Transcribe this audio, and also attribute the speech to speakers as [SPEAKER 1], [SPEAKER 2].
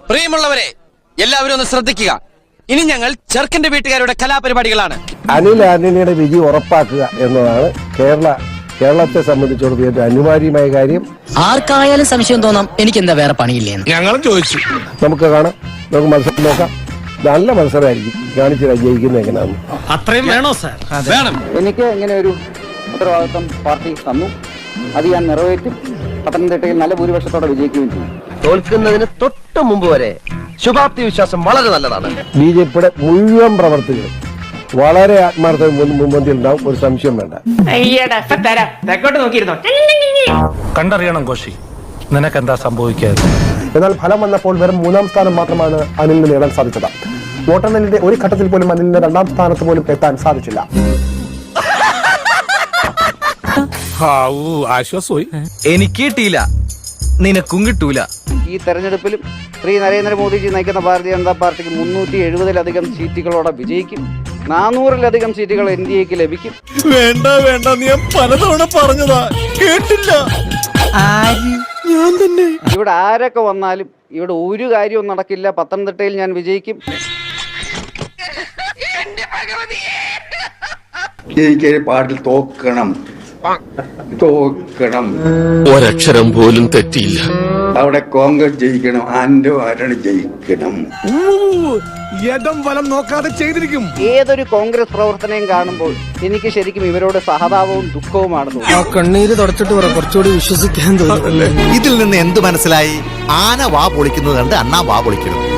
[SPEAKER 1] പ്രിയമുള്ളവരെ, എല്ലാവരും ഒന്ന് ശ്രദ്ധിക്കുക. ഇനി ഞങ്ങൾ ചെറുക്കന്റെ വീട്ടുകാരുടെ കലാപരിപാടികളാണ്.
[SPEAKER 2] അനിൽ ആന്റണിയുടെ വിജി ഉറപ്പാക്കുക എന്നതാണ് കേരളത്തെ സംബന്ധിച്ചിടത്തോളം ഏറ്റവും അനിവാര്യമായ കാര്യം.
[SPEAKER 3] ആർക്കായാലും സംശയം തോന്നാം എനിക്ക് എന്താ വേറെ പണിയില്ലേന്ന് ഞങ്ങളും ചോദിച്ചു.
[SPEAKER 2] നമുക്ക് കാണാം, നമുക്ക് മത്സരം നോക്കാം. നല്ല മത്സരമായിരിക്കും. കാണിച്ചില്ല ജയിക്കുന്നത് എങ്ങനെയാണെന്ന്.
[SPEAKER 4] അത്രയും വേണോ സാർ?
[SPEAKER 1] വേണം.
[SPEAKER 5] എനിക്ക് ഇങ്ങനെ ഒരു ഉത്തരവാദിത്വം പാർട്ടി തന്നു, അത് ഞാൻ നിറവേറ്റും. പത്തനംതിട്ടയിൽ നല്ല ഭൂരിപക്ഷത്തോടെ വിജയിക്കുകയും ചെയ്യും.
[SPEAKER 6] തോൽക്കുന്നതിന് തൊട്ട് മുമ്പ് വരെ ശുഭാപ്തി വിശ്വാസം വളരെ നല്ലതാണ്.
[SPEAKER 2] ബിജെപിയുടെ മുഴുവൻ പ്രവർത്തകരും വളരെ ആത്മാർത്ഥ മുൻപന്തിയിൽ ഉണ്ടാവും, ഒരു സംശയം വേണ്ട.
[SPEAKER 4] കണ്ടറിയണം കോശി, നിനക്കെന്താ സംഭവിക്കാതെ.
[SPEAKER 7] എന്നാൽ ഫലം വന്നപ്പോൾ വെറും 3-ാം സ്ഥാനം മാത്രമാണ് അനിലിന് നേടാൻ സാധിച്ചത്. വോട്ടെണ്ണലിന്റെ ഒരു ഘട്ടത്തിൽ പോലും അനിലിന് 2-ാം സ്ഥാനത്ത് പോലും എത്താൻ സാധിച്ചില്ല.
[SPEAKER 4] ആശ്വാസമായി.
[SPEAKER 6] എനിക്ക് കിട്ടിയില്ല, നിനക്കും കിട്ടൂല.
[SPEAKER 5] ഈ തെരഞ്ഞെടുപ്പിലും ശ്രീ നരേന്ദ്രമോദിജി നയിക്കുന്ന ഭാരതീയ ജനതാ പാർട്ടിക്ക് 370-ലധികം സീറ്റുകളോടെ വിജയിക്കും. 400-ലധികം സീറ്റുകൾ NDAക്ക് ലഭിക്കും.
[SPEAKER 4] വേണ്ട വേണ്ട, നീ പലതവണ പറഞ്ഞതാ, കേട്ടില്ല. ഞാൻ തന്നെ.
[SPEAKER 5] ഇവിടെ ആരൊക്കെ വന്നാലും ഇവിടെ ഒരു കാര്യവും നടക്കില്ല. പത്തനംതിട്ടയിൽ ഞാൻ വിജയിക്കും.
[SPEAKER 8] ജയിക്കാൻ പാട്ടിൽ തോക്കണം.
[SPEAKER 9] ഒരക്ഷരം പോലും തെറ്റിയില്ല.
[SPEAKER 8] അവിടെ കോൺഗ്രസ് ജയിക്കണം, ആന്റോ ആരാണ് ജയിക്കണം.
[SPEAKER 4] യഥം വലം നോക്കാതെ ചെയ്തിരിക്കും.
[SPEAKER 5] ഏതൊരു കോൺഗ്രസ് പ്രവർത്തനയും കാണുമ്പോൾ എനിക്ക് ശരിക്കും ഇവരോട് സഹതാപവും ദുഃഖവുമാണ് തോന്നുന്നത്.
[SPEAKER 3] കണ്ണീര് തുടച്ചിട്ട് കുറച്ചുകൂടി വിശ്വസിക്കാൻ തോന്നുന്നു.
[SPEAKER 10] ഇതിൽ നിന്ന് എന്ത് മനസ്സിലായി? ആന വാ പൊളിക്കുന്നത് കണ്ട് അണ്ണാ വാ പൊളിക്കണം.